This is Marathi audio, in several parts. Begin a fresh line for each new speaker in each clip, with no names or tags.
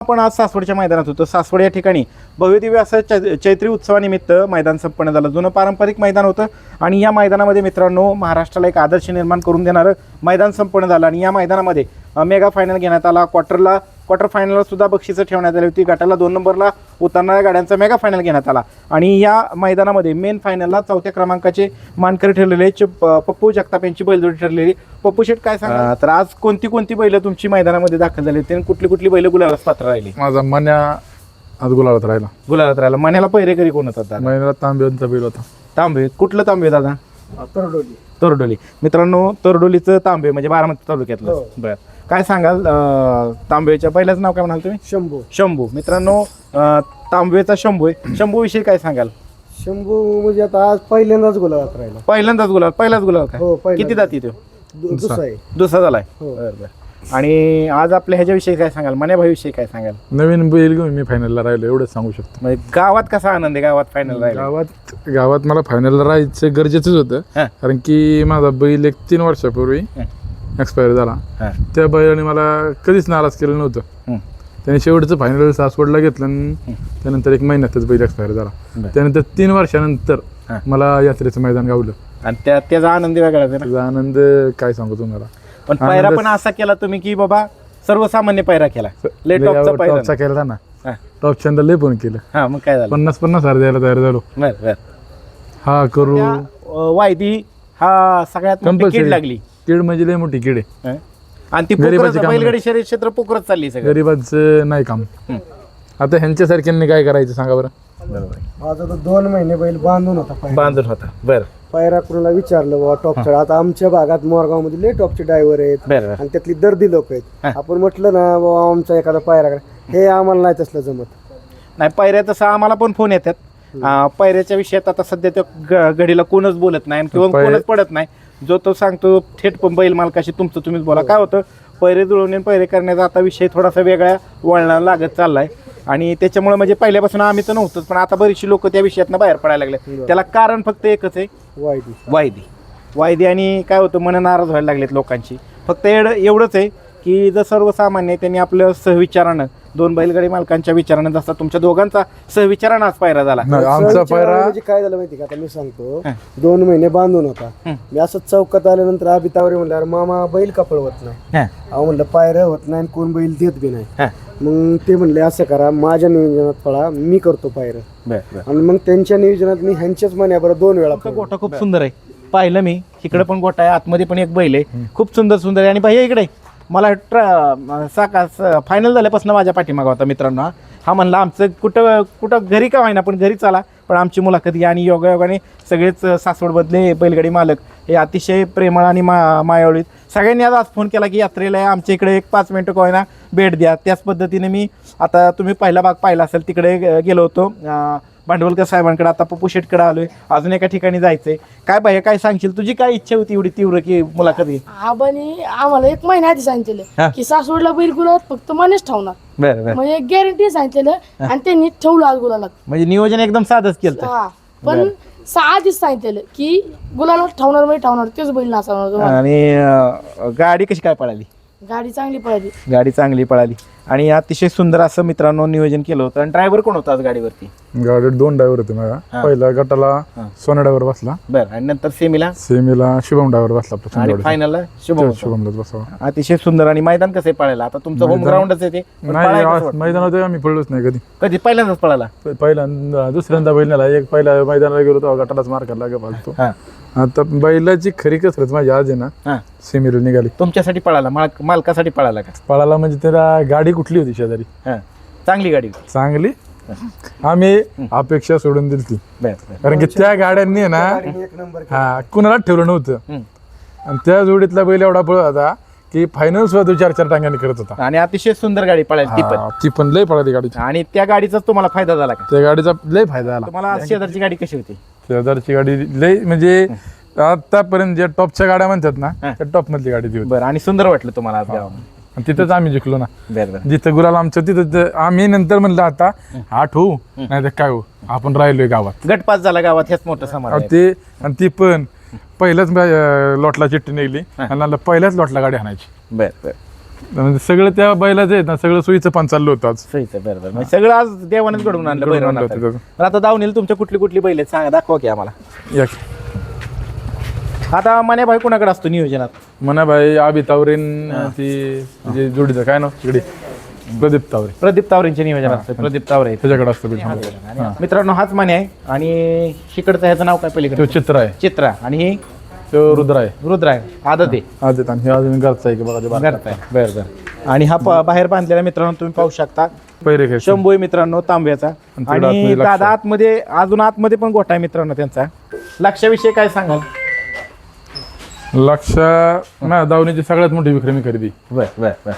आपण आज सासवडच्या मैदानात होतो. सासवड या ठिकाणी भव्यदिव्य असं चैत्री उत्सवानिमित्त मैदान संपन्न झालं. जुनं पारंपरिक मैदान होतं आणि या मैदानामध्ये मित्रांनो महाराष्ट्राला एक आदर्श निर्माण करून देणारं मैदान संपन्न झालं. आणि या मैदानामध्ये मेगा फायनल घेण्यात आला. क्वार्टर फायनलला सुद्धा बक्षिसं ठेवण्यात आली होती. गटाला 2 नंबरला उतरणाऱ्या गाड्यांचा मेगा फायनल घेण्यात आला. आणि या मैदानामध्ये मेन फायनलला 4थ्या क्रमांकाचे मानकरी ठरलेले पप्पू जगताप यांची बैलजोडी ठरलेली. पप्पू शेट काय सांगा, तर आज कोणती बैलं तुमची मैदानामध्ये दाखल झाली होती आणि कुठली बैलं गुलालास पात्र राहिली?
माझा मन्या आज गुलाबात राहिला.
मण्याला पहिरेकरी कोण होता?
महिन्याला तांबेचा बैल होता.
तांबे. कुठलं तांबे दादा? तरडोली. मित्रांनो तरडोलीचं तांबे म्हणजे बारामती तालुक्यातलं. बरं, काय सांगाल तांबेच्या पहिल्याच नाव काय म्हणाल तुम्ही? शंभू. मित्रांनो तांबेचा शंभू आहे. शंभू विषयी काय सांगाल?
शंभू म्हणजे आता आज पहिल्यांदाच गुलाबात राहिला.
पहिलाच गुलाब काय?
हो, पहिल्यांदा.
किती जाती तो?
दुसरा
झालाय. बरं. आणि आज आपल्या ह्याच्याविषयी काय सांगाल? मण्याभाईविषयी काय सांगाल?
नवीन बैल घेऊन मी फायनलला राहिलो एवढंच सांगू शकतो.
म्हणजे गावात कसा आनंद आहे? गावात फायनल राहिला.
गावात मला फायनलला राहायचं गरजेचंच होतं. कारण की माझा बैल 3 वर्षापूर्वी एक्सपायर झाला. त्या बैलाने मला कधीच नाराज केलं नव्हतं. त्याने शेवटचं फायनल सासवडला घेतलं आणि त्यानंतर 1 महिन्यातच बैल एक्सपायर झाला. त्यानंतर 3 वर्षानंतर मला यात्रेचं मैदान गावलं आणि
त्याचा आनंद वेगळा.
त्याचा आनंद काय सांगू तुम्हाला.
पण पायरा पण असा केला तुम्ही की बाबा सर्वसामान्य पायरा केला.
टॉपचा केला ना. टॉप चंद लय फोन केलं.
मग काय झालं?
50,000 द्यायला तयार झालो. हा करू
वायदी हा सगळ्यात कीड लागली.
कीड म्हणजे लय मोठी कीड आहे.
आणि ती बैलगाडी शर्यत क्षेत्र पोखरत चालली.
गरीबाचं नाही काम. आता ह्यांच्यासारख्यांनी काय करायचं सांगा बरं.
माझा तर 2 महिने बैल बांधून होता.
बरं.
पायरा कुणाला विचारलं बाबा टॉपचा. आता आमच्या भागात मोरगाव मध्ये लय टॉपचे ड्रायव्हर आहेत आणि त्यातली दर्दी लोक आहेत. आपण म्हटलं ना बाबा आमचा एखादा पायरा करा, हे आम्हाला नाही तसलं जमत.
नाही पायऱ्या तसं आम्हाला पण फोन येतात. पायऱ्याच्या विषयात आता सध्या त्या घडीला कोणच बोलत नाही किंवा कोणच पडत नाही. जो तो सांगतो थेट पण बैल मालकाशी तुमचं तुम्हीच बोला. काय होतं, पैरे जुळवणे पैरे करण्याचा आता विषय थोडासा वेगळ्या वळणाला लागत चाललाय. आणि त्याच्यामुळे म्हणजे पहिल्यापासून आम्ही तर नव्हतोच, पण आता बरीचशी लोक त्या विषयातनं बाहेर पडायला लागले. त्याला कारण फक्त एकच आहे, वायदी. आणि काय होतं, मन नाराज व्हायला लागलेत लोकांची. फक्त एवढंच आहे की जर सर्वसामान्य त्यांनी आपलं सहविचारानं 2 बैलगाडी मालकांच्या विचारानं जसा तुमच्या दोघांचा सहविचारानं आज पायरा झाला.
आमचा पायरा
म्हणजे काय झालं माहिती का, आता मी सांगतो 2 महिने बांधून होता. मी असं चौकात आल्यानंतर अभितावरे म्हणलं अरे मामा बैल कपड होत नाही. अहो म्हणलं पायऱ्या होत नाही, कोण बैल देत बी नाही. मग ते म्हणले असं करा, माझ्या नियोजनात पळा, मी करतो पायऱ्या. आणि मग त्यांच्या नियोजनात मी ह्यांच्याच मण्याबरोबर 2 वेळा.
गोठा खूप सुंदर आहे, पाहिलं मी. इकडे पण गोठा आहे, आतमध्ये पण एक बैल आहे, खूप सुंदर आहे. आणि भैया इकडे मला फायनल झाल्यापासून माझ्या पाठीमागा होता मित्रांनो. हा म्हणला आमचं कुठं घरी का व्हायना पण घरी चाला, पण आमची मुलाखत घ्या. आणि योगायोगाने सगळेच सासवडमधले बैलगाडी मालक हे अतिशय प्रेमळ आणि मायावळीत. सगळ्यांनी आज फोन केला की यात्रेला आमच्या इकडे 5 मिनिटं का होईना भेट द्या. त्याच पद्धतीने मी आता तुम्ही पहिला भाग पाहिला असेल, तिकडे गेलो होतो भांडवलकर साहेबांकडे. आता पप्पू शेटकडे आलोय, अजून एका ठिकाणी जायचंय. काय भैया काय सांगशील, तुझी काय इच्छा होती एवढी तीव्र की मुलाखत घे?
आबानी आम्हाला 1 महिना आधी सांगितलेलं की सासवडला बैल गुलाबात फक्त मनेच ठेवणार.
बरं.
म्हणजे गॅरंटी सांगितलेलं आणि त्यांनी ठेवलं आज गुलाबात.
म्हणजे नियोजन एकदम साधच केलं.
पण आधीच सांगितलेलं की गुलाबात ठेवणार म्हणजे ठेवणार, तेच बैल नाचवणार.
आणि गाडी कशी काय पळाली?
गाडी
चांगली पळाली आणि अतिशय सुंदर असं मित्रांनो नियोजन केलं होतं. आणि ड्रायव्हर कोण होता आज गाडीवरती?
गाडीत 2 ड्रायव्हर होते माझ्या. पहिला गटाला सोना ड्रायव्हर बसला.
बरं. आणि नंतर सेमीला
शुभम ड्रायव्हर बसला.
आणि फायनलला
शुभमलाच बसला.
अतिशय सुंदर. आणि मैदान कसं पळायला? आता तुमचं होम ग्राउंडच आहे ते.
मैदानात आम्ही पडलोच नाही
कधी पहिल्यांदाच पळाला?
पहिल्यांदा दुसऱ्यांदा बैल नेला. एक पहिल्या मैदानाला गेलो तेव्हा गटालाच मार खाल्ला फालतो. आता बैलाची खरी कसरत माझी आज आहे ना सेमीला निघाली.
तुमच्यासाठी पळाला? मालकासाठी पळाला का?
पळाला म्हणजे त्याला गाडी कुठली होती शेजारी?
चांगली गाडी होती.
चांगली. आम्ही अपेक्षा सोडून दिली ती, कारण की त्या गाड्यांनी ना कुणाला ठेवलं नव्हतं. आणि त्या जोडीतला बैल एवढा पळत होता की फायनल सुद्धा 4 टांग्याने करत होता.
आणि अतिशय सुंदर गाडी पळाली
ती पण लय पळाली गाडी.
आणि त्या गाडीचा तुम्हाला फायदा झाला का?
त्या गाडीचा लय फायदा झाला.
तुम्हाला शेजारची गाडी कशी होती?
शेजारची गाडी लय म्हणजे आतापर्यंत ज्या टॉपच्या गाड्या म्हणतात ना त्या टॉप मधली गाडी होती.
बरं. आणि सुंदर वाटलं तुम्हाला आज गावामध्ये?
तिथंच आम्ही जिंकलो ना. जिथं गुलाल आमचं तिथं आम्ही नंतर म्हणलं आता 8 होऊ नाही तर काय होऊ, आपण राहिलोय गावात.
गटपास झाला गावात, हेच मोठं समाधान.
ते आणि ती पण पहिल्याच लॉटला चिठ्ठी निघली आणि पहिल्याच लॉटला गाडी आणायची.
बरं.
म्हणजे सगळं त्या बैलाचं आहेत ना, सगळं सोयीचं पण चाललं होतं आज.
सोयीचं बरोबर म्हणजे सगळं आज देवानेच घडवून आणलं
घडवून
बैल
आणलं होतं त्याचं.
तर आता दावणीला तुमच्या कुठली कुठली बैल आहेत सांगा, दाखवा की आम्हाला.
या
आता मने भाई कुणाकडे असतो नियोजनात?
म्हणा भाई आबी तावरेन ती म्हणजे जोडीचं काय नाव तिकडे प्रदीप तावरे,
प्रदीप तावरेंचे नियोजन असतं. प्रदीप तावरे
त्याच्याकडे असतं बैल.
मित्रांनो हाच माने आहे आणि शिकडचं ह्याचं नाव काय
तो
पलीकडे?
चित्र आहे,
चित्रा आणि हे
तो रुद्र आहे.
रुद्र आहे, आदत आहे.
आदित आणि हे अजून घरचा आहे की बघा ते बारका.
करताय बरं बरं. आणि हा बाहेर बांधलेला मित्रांनो तुम्ही पाहू शकता
पहिरे खेळ
शंभू आहे मित्रांनो तांब्याचा.
तिकडं
आणि
आतमध्ये लक्ष.
दादा आतमध्ये अजून आतमध्ये पण गोठा आहे मित्रांनो त्यांचा. लक्षाविषयी काय सांगाल?
लक्ष माझ्या दावणीची सगळ्यात मोठी विक्रमी खरेदी.
बर बर बर.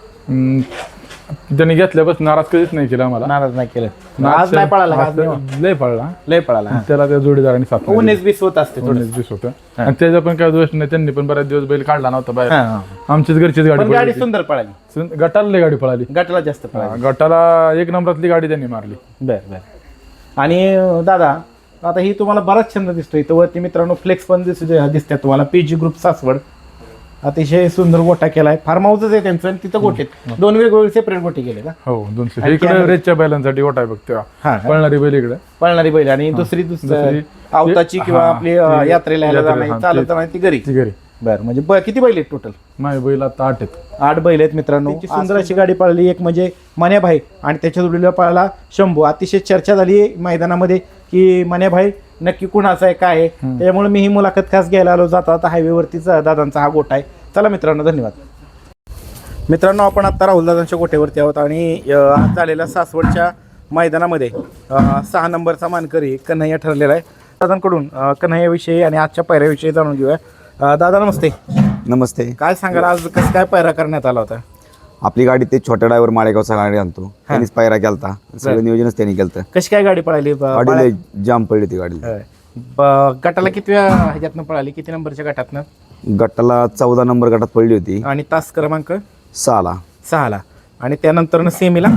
त्यांनी घेतल्यापासून नाराज कधीच नाही केला आम्हाला.
नाराज नाही केलं. आज नाही पळाला का? आज नाही.
लय पळला.
लय पळाला.
त्याला त्या जोडीदाराने साथ
19-20 होत असते थोडं.
19-20 होतं आणि त्याचा पण काय दोष नाही. त्यांनी पण बऱ्याच दिवस बैल काढला नव्हता बाहेर.
हा.
आमचीच घरचीच
पण
गाडी
गाडी
पळाली.
सुंदर पळाली.
गटाला लय गाडी पळाली.
गटाला जास्त पळाली.
गटाला 1 नंबरातली गाडी त्यांनी मारली.
बर बर. आणि दादा आता ही तुम्हाला बराच छंद दिसतोय. इथं वरती मित्रांनो फ्लेक्स पण दिसतात तुम्हाला. पीजी ग्रुप सासवड अतिशय सुंदर गोठा केलाय. फार्म हाऊसच आहे त्यांचं आणि तिथं गोठे 2 वेगवेगळे सेपरेट गोठे केले का?
हो 200. इकडे रेसच्या बैलांसाठी गोठा आहे बघ तेव्हा.
हा.
पळणारी बैल इकडे.
पळणारी बैल आणि दुसरी आवताची किंवा
हा.
आपली यात्रेला यायला जाणार चालत नाही ती घरी.
ती घरी
बर म्हणजे किती बैल आहेत टोटल?
माझे बैल आता 8 आहेत.
8 बैल आहेत मित्रांनो. सुंदर अशी गाडी पळाली. एक म्हणजे मान्याभाई आणि त्याच्या जोडीला पळाला शंभू. अतिशय चर्चा झाली मैदानामध्ये की मान्याभाई नक्की कुणाचा आहे काय आहे. त्यामुळे मी ही मुलाखत खास घ्यायला आलो. जाता आता हायवेवरतीच दादांचा हा गोठा आहे. चला मित्रांनो धन्यवाद. मित्रांनो आपण आता राहुल दादांच्या गोठ्यावरती आहोत आणि आज झालेल्या सासवडच्या मैदानामध्ये 6 नंबरचा मानकरी कन्हैया ठरलेला आहे. दादांकडून कन्हैयाविषयी आणि आजच्या पायऱ्याविषयी जाणून घेऊया. दादा नमस्ते.
नमस्ते.
काय सांगाल आज कसं काय पायरा करण्यात आला होता?
आपली गाडी ते छोट्या ड्रायव्हर माळेगावचा गाडी आणतो त्यांनीच पायरा केलता. सगळं नियोजनच त्यांनी केलं.
कशी काय गाडी पळाली?
गाडी जाम पडली ती गाडी.
गटाला कितव्या ह्याच्यातनं पळाली? किती नंबरच्या गटातनं?
गटाला 14 नंबर गटात पडली होती.
आणि तास क्रमांक
6ला.
आणि त्यानंतर सेमीला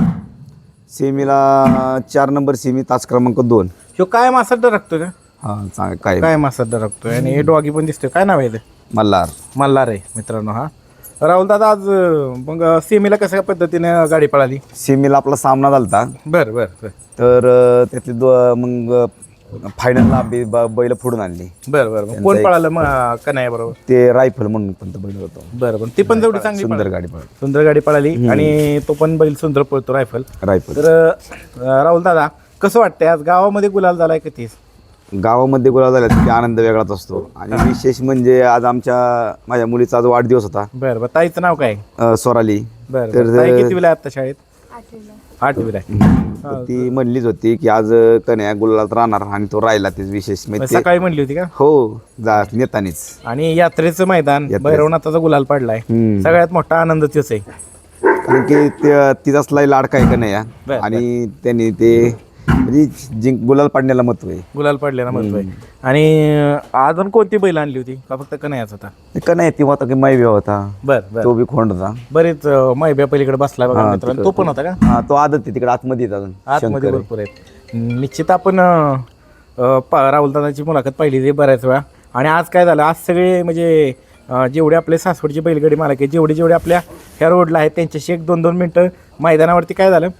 सेमीला 4 नंबर सेमी तास क्रमांक 2.
ह्यो काय मासात रखतोय का?
हा काय
काय मासात रखतोय आणि हे डॉगी पण दिसतोय. काय नाव आहे ते? मल्हार आहे मित्रांनो. हा राहुल दादा आज मग सेमीला कशा पद्धतीने गाडी पळाली?
सेमीला आपला सामना झालता.
बर बर बर
तर त्यातली मग फायनलला बैल फोडून आणली.
बर बर. कोण पळालं मग कन्हैया बरोबर?
ते रायफल म्हणून पण बैल होतो.
बरं ती पण जेवढी चांगली
सुंदर
पळाली.
गाडी पळली.
सुंदर गाडी पळाली आणि तो पण बैल सुंदर पळतो रायफल.
रायफल.
तर राहुल दादा कसं वाटतंय आज गावामध्ये गुलाल झालाय किती?
गावामध्ये गुलाब झाला की आनंद वेगळाच असतो. आणि विशेष म्हणजे आज माझ्या मुलीचा आज वाढदिवस होता.
बरं बरं. ताईचं नाव काय?
सोराली.
बरं
तर
ताई कितवीला आहे आता शाळेत? 8वीला आहे.
तर ती म्हणलीच होती की आज कन्हैया गुलालात राहणार आणि तो राहिला. तेच विशेष म्हणजे
सकाळी म्हणली होती का?
हो नेतानीच.
आणि यात्रेचं मैदान भैरवनाथाचा गुलाल पडलाय. सगळ्यात मोठा आनंद तेच आहे
कारण की तिचाच लय लाडका आहे कन्हैया. आणि त्यांनी ते म्हणजे गुलाल पाडण्याला महत्व आहे.
गुलाल पडलेला महत्व आहे. आणि अजून कोणती बैल आणली होती का फक्त कन्हैयाच होता?
कन्हैया ती होता की मैव्या होता.
बर
तो बी खोंड होता.
बरेच मैब्या पलीकडे बसलाय बघा मित्रांनो. तो पण होता का?
हा तो आदत आहे तिकडे आतमध्ये अजून
आतमध्ये भरपूर आहेत. निश्चित आपण राहुल दादाची मुलाखत पाहिली बऱ्याच वेळा. आणि आज काय झालं? आज सगळे म्हणजे जेवढे आपले सासवडची बैलगाडी मालक आहे जेवढे आपल्या ह्या रोडला आहेत त्यांच्याशी 1-2 मिनटं मैदानावरती काय झालं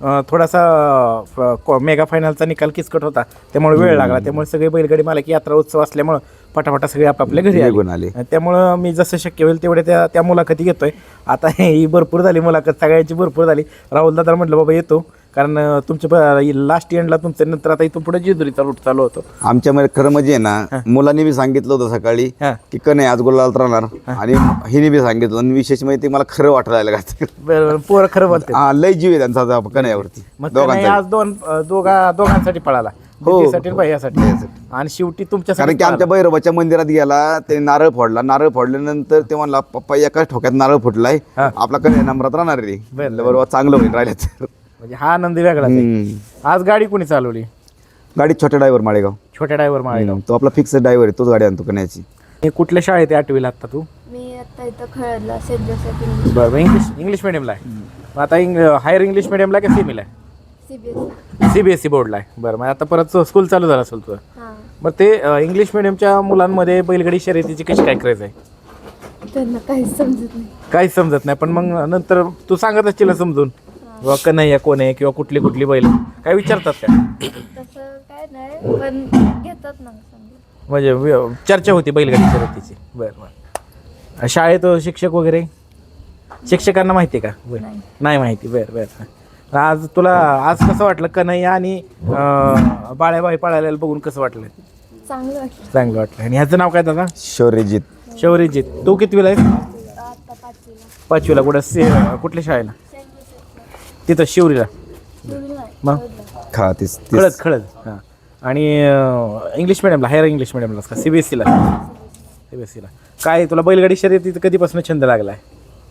थोडासा मेगा फायनलचा निकाल किचकट होता त्यामुळे वेळ लागला. त्यामुळे सगळे बैलगाडी मालक यात्रा उत्सव असल्यामुळं पटापटा सगळे आपापल्या घरी आले. त्यामुळं मी जसं शक्य होईल तेवढे त्या मुलाखती घेतोय. आता ही भरपूर झाली मुलाखत सगळ्यांची भरपूर झाली. राहुल दादा म्हटलं बाबा येतो कारण तुमच्या लास्ट एंडला तुमच्या नंतर आता इथून पुढे जेजुरीचा रूट चालू होतो.
आमच्या खरं म्हणजे ना मुलांनी बी सांगितलं होतं सकाळी की कन्हैया आज गुलालात राहणार आणि हिने बी सांगितलं. आणि विशेष म्हणजे ते मला खरं वाटायला लागलं.
पोरं खरं बोलते.
लय जीव आहे त्यांचा कन्हैयावरती.
आज दोघांसाठी पळाला. भैयासाठी आणि शेवटी तुमच्या
कारण की आमच्या भैरवाच्या मंदिरात गेला त्याने नारळ फोडला. नारळ फोडल्यानंतर ते म्हणला पप्पा एकाच ठोक्यात नारळ फुटलाय आपला कन्हैया नंबरात राहणार रे. बरोबर चांगलं होईल राहिलं तर.
म्हणजे हा आनंद वेगळा. आज गाडी कोणी चालवली?
गाडी छोट्या ड्रायव्हर माळेगाव.
छोट्या ड्रायव्हर माळेगाव.
तो आपला फिक्स ड्रायव्हर आहे. तोच गाडी आणतो कन्हैयाची.
कुठल्या शाळेत आहे 8वीला आता तू?
मी आता इथं खळदला सेंट जोसेफ इंग्लिश.
बरं इंग्लिश मिडियमला आहे. आता हायर इंग्लिश मिडियमला का सेमीला आहे? CBSE बोर्डला आहे. बरं मग आता परत स्कूल चालू झालं असेल तुझं.
हां.
मग ते इंग्लिश मिडियमच्या मुलांमध्ये बैलगाडी शर्यतीची कशी काय क्रेज आहे?
त्यांना काहीच समजत नाही.
काहीच समजत नाही, पण मग नंतर तू सांगत असशील ना समजून बाबा कन्हैया कोण आहे किंवा कुठली कुठली बैल काय विचारतात का?
तसं काय नाही, पण घेतात ना समजा.
म्हणजे चर्चा होती बैलगाडी शर्यतीची. बरं बरं. शाळेत शिक्षक वगैरे शिक्षकांना माहिती आहे का? बरं. नाही माहिती. बरं बरं. आज तुला आज कसं वाटलं कन्हैया आणि बाळ्याबाई पळायला बघून कसं वाटलं?
चांगलं वाटलं.
चांगलं वाटलं. आणि ह्याचं नाव काय दादा?
शौर्यजीत.
शौर्यजीत. तू कितवीला आहेस?
आता 5वीला.
5वीला. कुठल्या शाळेला? तिथं शिवरीला. मग खळद खळद. हां. आणि इंग्लिश मिडियमला, हायर इंग्लिश मिडियमलाच का CBSEला? CBSEला. काय तुला बैलगाडी शर्यतीचा कधीपासून छंद लागला आहे?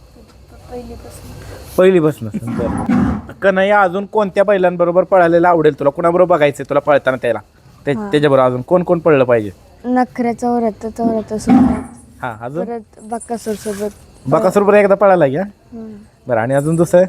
पहिलीपासून. बरं. कन्हैया अजून कोणत्या बैलांबरोबर पळायला आवडेल तुला? कुणाबरोबर बघायचं तुला पळताना त्याला? त्याच्याबरोबर अजून कोण कोण पळलं पाहिजे?
नखऱ्याचा चौऱ्याहत्तर सोबत,
हां. अजून
परत बक्कासूर सोबत.
बकासूरबरोबर एकदा पळायला घ्या. बरं. आणि अजून दुसरं?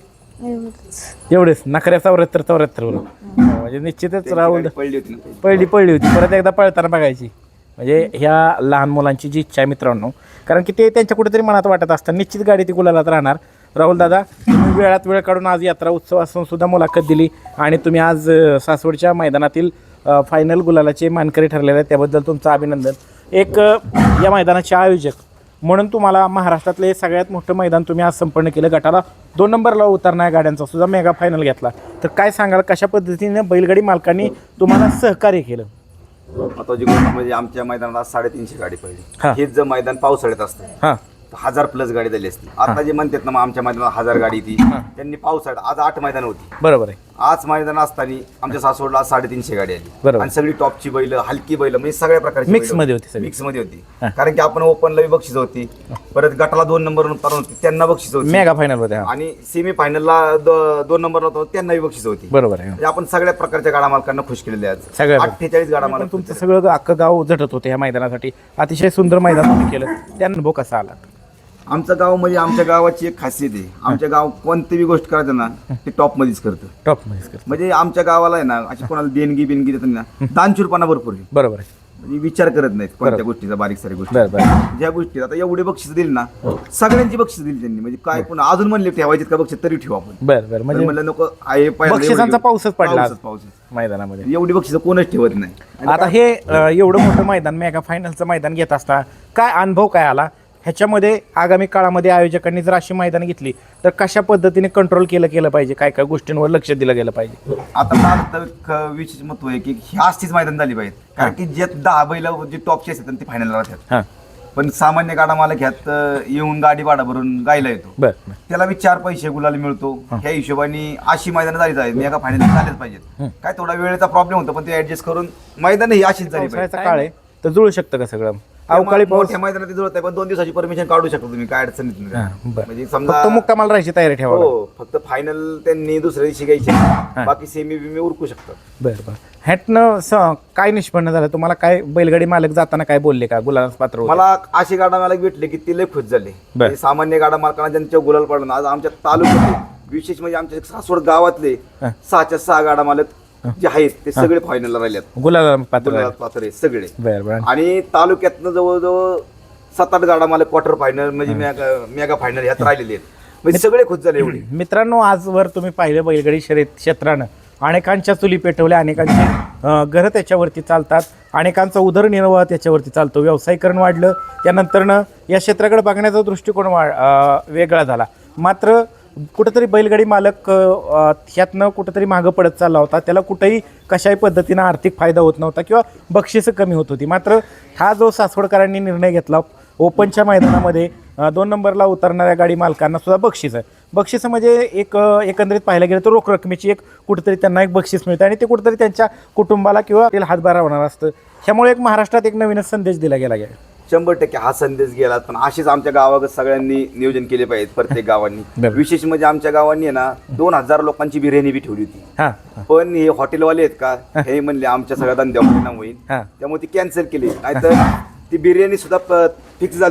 एवढेच. नखऱ्या 74 बरोबर. म्हणजे निश्चितच राहुल पहिली होती. परत एकदा पळताना बघायची. म्हणजे ह्या लहान मुलांची जी इच्छा आहे मित्रांनो, कारण की ते त्यांच्या कुठेतरी मनात वाटत असतं निश्चित गाडी ती गुलालात राहणार. राहुल दादा, तुम्ही वेळात वेळ काढून आज यात्रा उत्सव असून सुद्धा मुलाखत दिली आणि तुम्ही आज सासवडच्या मैदानातील फायनल गुलालाचे मानकरी ठरलेले आहेत, त्याबद्दल तुमचं अभिनंदन. एक या मैदानाचे आयोजक म्हणून तुम्हाला महाराष्ट्रातले सगळ्यात मोठं मैदान तुम्ही आज संपन्न केलं. गटाला 2 नंबरला उतरणाऱ्या गाड्यांचा सुद्धा मेगा फायनल घेतला. तर काय सांगाल, कशा पद्धतीने बैलगाडी मालकांनी तुम्हाला सहकार्य केलं?
महत्वाची गोष्ट म्हणजे आमच्या मैदानात 350 गाडी
हा.
पडली. हेच जर मैदान पावसाळ्यात असतं
हां.
1000+ गाडी झाली असती. आता जे म्हणतात ना मग आमच्या मैदानात 1000 गाडी ती त्यांनी पावसाळ्यात आज 8 मैदान होती.
बरोबर आहे.
आज मैदान असताना आमच्या सासवडला 350 गाडी आली.
बरोबर.
आणि सगळी टॉपची बैल, हलकी बैल, म्हणजे सगळ्या प्रकारची
Mix मध्ये होती सगळी.
मिक्स मध्ये होती. कारण की आपण ओपनला बक्षीस होती, परत गटाला 2 नंबर उतरून होती त्यांना बक्षीस होती,
मेगा फायनल मध्ये.
आणि सेमी फायनलला 2 नंबर होतो त्यांनाही बक्षीस होती.
बरोबर आहे.
म्हणजे आपण सगळ्या प्रकारच्या गाडा मालकांना खुश केलेले आहेत.
सगळ्या
48 गाडा मालक.
तुमचं सगळं अख्खं गाव झटत होते ह्या मैदानासाठी. अतिशय सुंदर मैदान तुम्ही केलं. त्या अनुभव कसा आला?
आमचं गाव म्हणजे आमच्या गावाची एक खासियत आहे. आमच्या गाव कोणतीही गोष्ट करायचं ना ते टॉप मध्येच करतं.
टॉप मध्ये.
म्हणजे आमच्या गावाला आहे ना अशी कोणाला देणगी देतात ना, दानशूरपणा भरपूर आहे.
बरोबर आहे.
म्हणजे विचार करत नाहीत कोणत्या गोष्टीचा, बारीक सारी गोष्टी.
बरोबर.
ज्या गोष्टी आता एवढे बक्षीस दिली ना, सगळ्यांची बक्षीस दिली त्यांनी. म्हणजे काय पण अजून म्हणले ठेवायचे का बक्षीस तरी ठेवू आपण.
बरं. म्हणजे
म्हणलं नको आहे
बक्षिसांचा पाऊसच पडला आज
पाऊस
मैदानामध्ये.
एवढी बक्षीस कोणच ठेवत नाही.
आता हे एवढं मोठं मैदान, मेगा फायनलचं मैदान घेत असता काय अनुभव काय आला? ह्याच्यामध्ये आगामी काळामध्ये आयोजकांनी जर अशी मैदान घेतली तर कशा पद्धतीने कंट्रोल केलं पाहिजे, काय काय गोष्टींवर लक्ष दिलं गेलं पाहिजे?
आता विशेष महत्व आहे की ही अशीच मैदान झाली पाहिजे. कारण की जे 10 बैल जे टॉपचे असतात ते फायनल राहतात.
हां.
पण सामान्य गाडा मालक ह्यात येऊन गाडी भाडा भरून गायला येतो.
बरं.
त्याला बी 4 पैसे गुलाला मिळतो. ह्या हिशोबाने अशी मैदान झाली पाहिजे, मेगा फायनल झालेच पाहिजेत. काय थोडा वेळेचा प्रॉब्लेम होतो पण ते ऍडजस्ट करून मैदान ही अशीच झाली पाहिजे.
पावसाळ्याचा काळ आहे तर जुळू शकतं का सगळं? अवकाळी पाऊस
मोठ्या मैदानात जुळत आहे पण 2 दिवसाची परमिशन काढू शकतो तुम्ही, काय अडचण नाही.
बरं.
म्हणजे
फक्त
समजा
मुक्कामाला राहायची तयारी ठेवा.
हो, फक्त फायनल त्यांनी दुसऱ्या दिवशी घ्यायचे, बाकी सेमी बिमी उरकू शकतात.
बरं. ह्यातनं काय निष्पन्न झालं तुम्हाला? काय बैलगाडी मालक जाताना काय बोलले का गुलालास पात्र होते?
मला अशी गाडा मालक भेटले की ते लय खुश झाले. म्हणजे सामान्य गाडा मालकांना ज्यांच्या गुलाल पडला आज आमच्या तालुक्यात विशेष म्हणजे आमच्या सासवड गावातले 6च्या 6 गाडा मालक जे आहेत ते सगळे फायनलला राहिलेत.
गुलाला पात्र
गुलालात पात्र आहेत सगळे.
बरं.
आणि तालुक्यातनं जवळजवळ 7-8 गाडा मालक क्वार्टर फायनल म्हणजे मेगा फायनल ह्यात राहिलेले आहेत. म्हणजे सगळे खुश झाले एवढे.
मित्रांनो, आजवर तुम्ही पाहिलं बैलगाडी शर्यत क्षेत्रानं अनेकांच्या चुली पेटवल्या, अनेकांची घरं त्याच्यावरती चालतात, अनेकांचा उदरनिर्वाह त्याच्यावरती चालतो. व्यावसायीकरण वाढलं, त्यानंतरनं या क्षेत्राकडे बघण्याचा दृष्टिकोन वेगळा झाला. मात्र कुठंतरी बैलगाडी मालक ह्यातनं कुठंतरी मागं पडत चालला होता. त्याला कुठंही कशाही पद्धतीनं आर्थिक फायदा होत नव्हता किंवा बक्षिसं कमी होत होती. मात्र हा जो सासवडकरांनी निर्णय घेतला, ओपनच्या मैदानामध्ये 2 नंबरला उतरणाऱ्या गाडी मालकांना सुद्धा बक्षिसं म्हणजे एकंदरीत पाहायला गेलं तर रोख रकमेची एक कुठंतरी त्यांना एक बक्षीस मिळतं आणि ते कुठंतरी त्यांच्या कुटुंबाला किंवा हातभार होणार असतं. त्यामुळे एक महाराष्ट्रात एक नवीनच संदेश दिला गेला.
100% हा संदेश गेला. पण असेच आमच्या गावात सगळ्यांनी नियोजन केले पाहिजे, प्रत्येक गावांनी. विशेष म्हणजे आमच्या गावांनी आहे ना 2000 लोकांची बिर्याणी बी ठेवली होती. पण हे हॉटेलवाले आहेत का हे म्हणले आमच्या सगळ्या धंद्यावर परिणाम होईल, त्यामुळे ती कॅन्सल केली. नाहीतर ती बिर्याणी सुद्धा फिक्स झालं.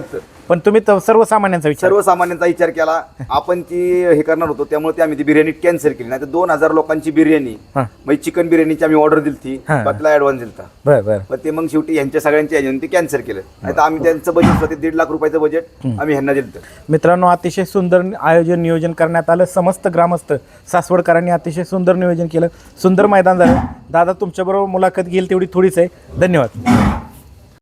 पण तुम्ही तर सर्वसामान्यांचा विचार
सर्वसामान्यांचा विचार केला. आपण ती हे करणार होतो त्यामुळे आम्ही ती बिर्याणी कॅन्सल केली. नाही तर 2000 लोकांची बिर्याणी म्हणजे चिकन बिर्याणीची आम्ही ऑर्डर दिली ती, बाकीला ऍडव्हान्स दिलता.
बरं बरं.
पण ते मग शेवटी यांच्या सगळ्यांच्या ह्याच्याने ते कॅन्सल केलं. नाही तर आम्ही त्यांचं बजेट होते 1.5 लाख रुपयाचं बजेट आम्ही ह्यांना दिलं.
मित्रांनो, अतिशय सुंदर आयोजन नियोजन करण्यात आलं. समस्त ग्रामस्थ सासवडकरांनी अतिशय सुंदर नियोजन केलं. सुंदर मैदान झालं. दादा, तुमच्याबरोबर मुलाखत घेईल तेवढी थोडीच आहे. धन्यवाद.